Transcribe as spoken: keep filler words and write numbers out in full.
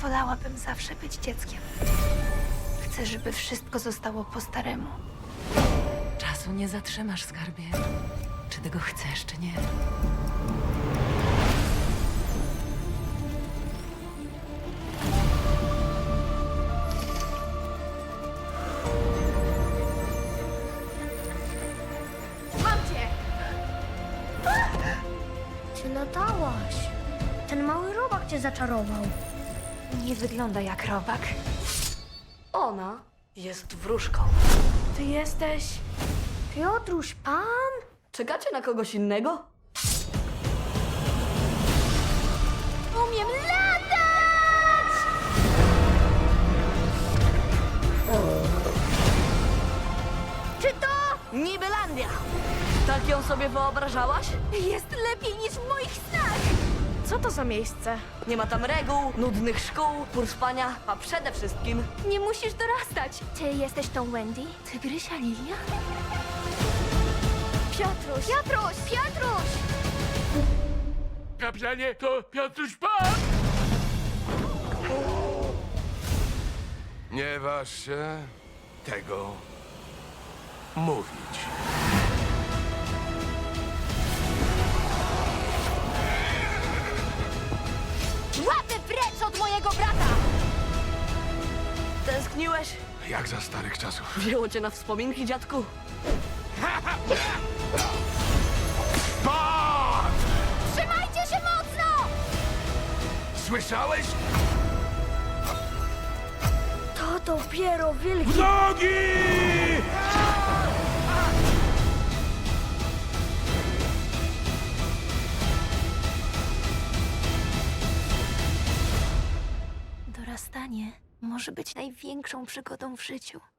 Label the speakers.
Speaker 1: Wolałabym zawsze być dzieckiem. Chcę, żeby wszystko zostało po staremu.
Speaker 2: Czasu nie zatrzymasz, skarbie. Czy tego chcesz, czy nie?
Speaker 1: Mam cię!
Speaker 3: Ty latałaś. Ten mały robak cię zaczarował.
Speaker 1: Nie wygląda jak robak.
Speaker 2: Ona jest wróżką.
Speaker 1: Ty jesteś...
Speaker 3: Piotruś, pan?
Speaker 2: Czekacie na kogoś innego?
Speaker 3: Umiem latać! Czy to?
Speaker 2: Nibelandia! Tak ją sobie wyobrażałaś?
Speaker 3: Jest lepiej niż w moich snach!
Speaker 2: Co to za miejsce? Nie ma tam reguł, nudnych szkół, pór spania, a przede wszystkim
Speaker 3: Nie musisz dorastać. Ty jesteś tą Wendy?
Speaker 1: Tygrysia Lilia?
Speaker 3: Piotruś! Piotruś! Piotruś!
Speaker 4: Kapitanie, to Piotruś Pan! Nie waż się tego mówić.
Speaker 3: Łapy precz od mojego brata!
Speaker 2: tęskniłeś?
Speaker 4: Jak za starych czasów.
Speaker 2: Wzięło cię na wspominki, dziadku?
Speaker 4: Pan!
Speaker 3: Trzymajcie się mocno!
Speaker 4: Słyszałeś?
Speaker 3: To dopiero wielki...
Speaker 4: Nogi!
Speaker 1: Dorastanie może być największą przygodą w życiu.